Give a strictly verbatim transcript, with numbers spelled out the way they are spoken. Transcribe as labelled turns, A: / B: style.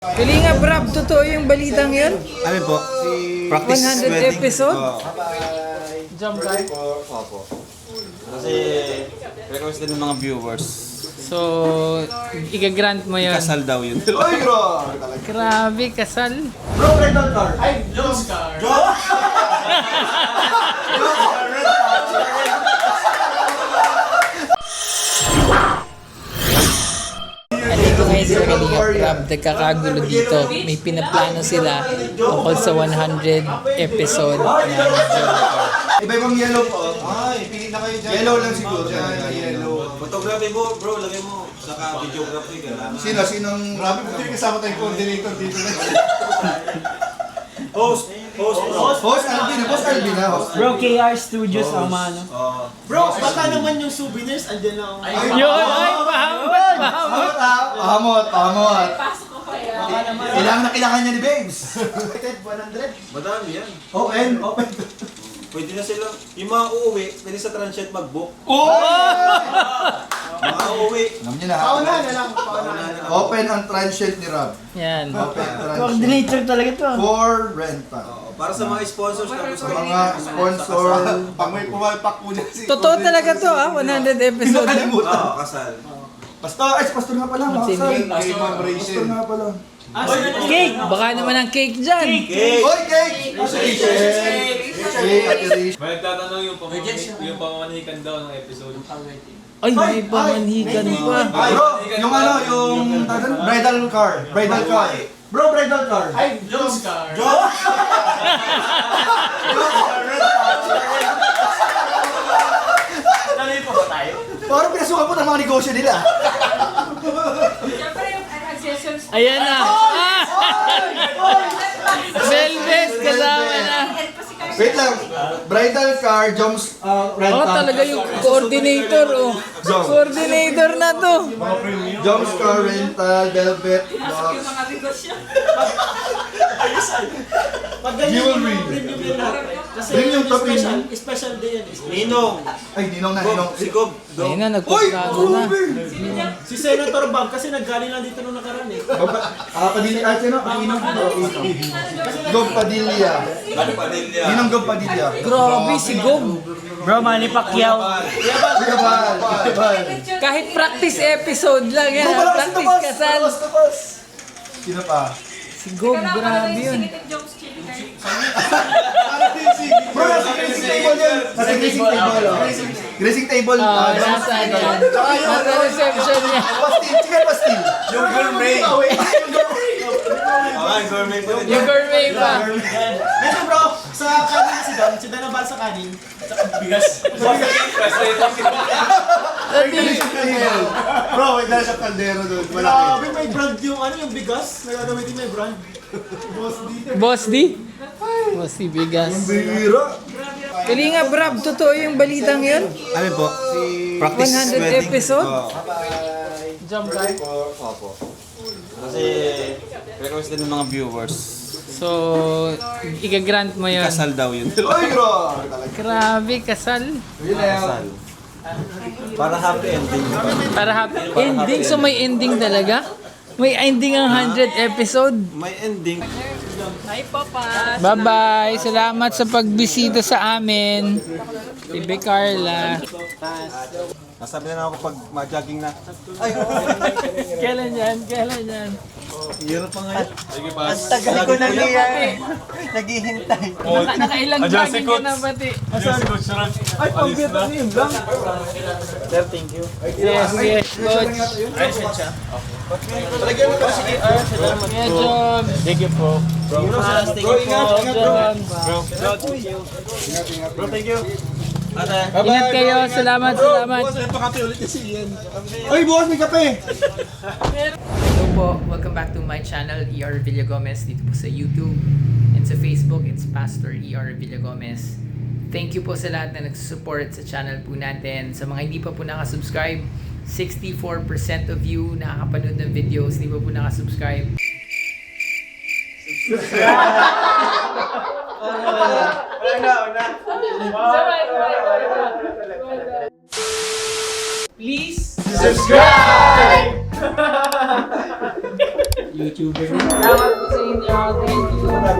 A: Kalinga Brab, totoo yung balitang yun?
B: Ano po? Practice
A: one hundred
B: wedding.
A: episode?
B: Oo.
A: Jump guy.
B: Opo. Kasi request din ng mga viewers.
A: So, iga-grant mo yun.
B: Kasal daw yun.
C: Ay, bro!
A: Grabe, kasal.
C: Bro, red on car. Ay, Jones car. Jones?
A: Andito ngayon sila Kalinga Brab, nagkakagulo dito. May pinaplano sila tungkol sa one hundred episode na
C: Iba-ibang yellow po. Ay, pili na kayo dyan. Yellow lang siguro. Yan, yellow.
B: Photography mo, bro, lagay mo. Saka videography ka.
C: Sino? Sinong... Grabe, buti kasama tayong coordinator dito na.
B: Host! Host! Host!
C: Host Alvin. Host Alvin ha. Host.
D: Bro, K R Studios ang ano.
E: Bro, baka naman yung souvenirs, andyan na ako.
A: yun! Ay, pahamot! Pahamot!
C: Pahamot ha. Pahamot. Pahamot. Kailangan na kailangan niya ni Babes.
E: one hundred.
B: Madami yan.
C: Open. Open.
B: Pwede na sila. Yung mga uuwi, pwede sa transient mag-book.
C: Oh!
B: Mga uuwi.
C: Alam niyo na ha.
E: Paunahan na lang, paunahan na lang.
C: Open ang transient ni Rob.
A: Yan.
C: Open ang transient.
D: Coordinator talaga to.
C: For rental.
B: Oo, para sa mga sponsors na gusto
C: Sa mga sponsor.
E: Pag may pumalpak po dyan si...
A: Totoo talaga to ah, one hundred episode.
C: Nakalimutan.
B: Oo, kasal.
C: Pastor, ay, si Pastor nga pala. Pastor. Pastor nga pala.
D: Cake!
A: Baka naman ang cake dyan.
B: Cake!
C: Oy, cake! Cake! Cake, Ate Rich.
F: May nagtatanong yung pamamanikan, yung pamamanikan daw ng episode.
A: Ay, may pamanhikan pa.
C: Bro, yung ano, yung bridal car. Bridal car. Bro, bridal car.
E: Ay, Jones car.
F: Tuloy pa ba tayo?
C: Parang pinasukan po ng mga negosyo nila.
G: Siyempre yung accessories.
A: Ayan na. Ah! Velvet, kasama na.
C: Wait lang. Bridal car, Joms uh, rental.
A: Oh, talaga yung coordinator, oh. Coordinator na to.
C: Joms car rental, velvet,
G: Yung
C: box.
G: mga negosyo.
E: Pag ganyan yung
C: Jewelry.
E: mga premium yun lahat. Kasi
C: Premium to
E: special,
C: premium.
E: special day yan.
B: Ninong!
C: Ay, ninong na,
B: Gob!
C: ninong.
B: Si Gob!
A: Ayun na,
C: Uy!
A: nagpaplano na.
C: Grabe!
E: Si Senator Bob kasi naggaling lang dito nung nakaraan eh.
C: Ah, Padilla, ah, sino? Ang ninong dito. Gob Padilla.
B: Ano pa din niya?
C: Ninong Gob Padilla.
A: Grabe, si Gob.
D: Bro, Manny Pacquiao.
C: Kuyabal, kuyabal.
A: Kahit practice episode lang yan.
C: Bro,
A: ah.
C: malakas na
A: Practice
C: bus!
A: kasal.
C: Malakas na bus! Sino pa?
A: Si Gob, grabe yun.
C: Bro, nasa grazing table yun. Nasa grazing table, oh. Grazing table.
A: Ah,
C: ah,
A: nasa
C: Joms-
A: yan. Nasa reception niya.
C: Pastil, chicken pastil.
B: Yung gourmet! Okay, gourmet pa din.
A: Yung gourmet pa.
E: Medyo bro, sa kanin si Don, si Don ang sa kanin.
C: Bro, may dala siyang kaldero doon.
E: Grabe, may brand yung ano, yung bigas. Nagagamitin may brand. Boss dito.
A: Boss D? Boss D, bigas.
C: Bira.
A: Kalinga Brab, totoo yung balitang yun?
B: Ano po? Practice
A: one hundred
B: wedding.
A: episode?
B: Oo.
A: Jump guy.
B: Opo. Kasi request din ng mga viewers.
A: So, iga-grant mo yun.
B: Kasal daw yun.
C: Ay, bro.
A: Grabe, kasal.
B: Kasal. Para happy ending.
A: Para happy ending, so may ending talaga? May ending ang one hundred episode?
B: May ending.
A: Hi, Papa! Bye-bye! Salamat sa pagbisita sa amin. Bibi Carla.
B: Nasabi na ako pag ma-jogging na.
A: Kailan yan? Kailan yan?
B: Hirap pa ngayon.
F: Sige pa.
D: Tagal ko na niya. Naghihintay.
A: Naka, nakailang
F: Adjust si
A: jogging ka
F: Coach.
A: na pati.
F: Yes, Coach Ron.
C: Ay, pambira na yun lang.
D: Sir, thank you.
A: Yes, yes, coach.
C: Talagyan mo kasi.
A: Kuya John.
D: Thank you po.
C: Bro, ingat, ingat bro.
F: Bro, bro, thank you.
B: Bro, thank you.
A: Ingat kayo. Salamat, salamat.
C: Ay, boss, may kape.
A: Hello po. Welcome back to my channel, E R Villagomez, dito po sa YouTube. And sa Facebook, it's Pastor E R Villagomez. Thank you po sa lahat na nagsusupport sa channel po natin. Sa mga hindi pa po nakasubscribe, sixty-four percent of you nakakapanood ng videos, hindi pa po nakasubscribe. Please subscribe! YouTuber. Salamat po sa inyo. Thank you.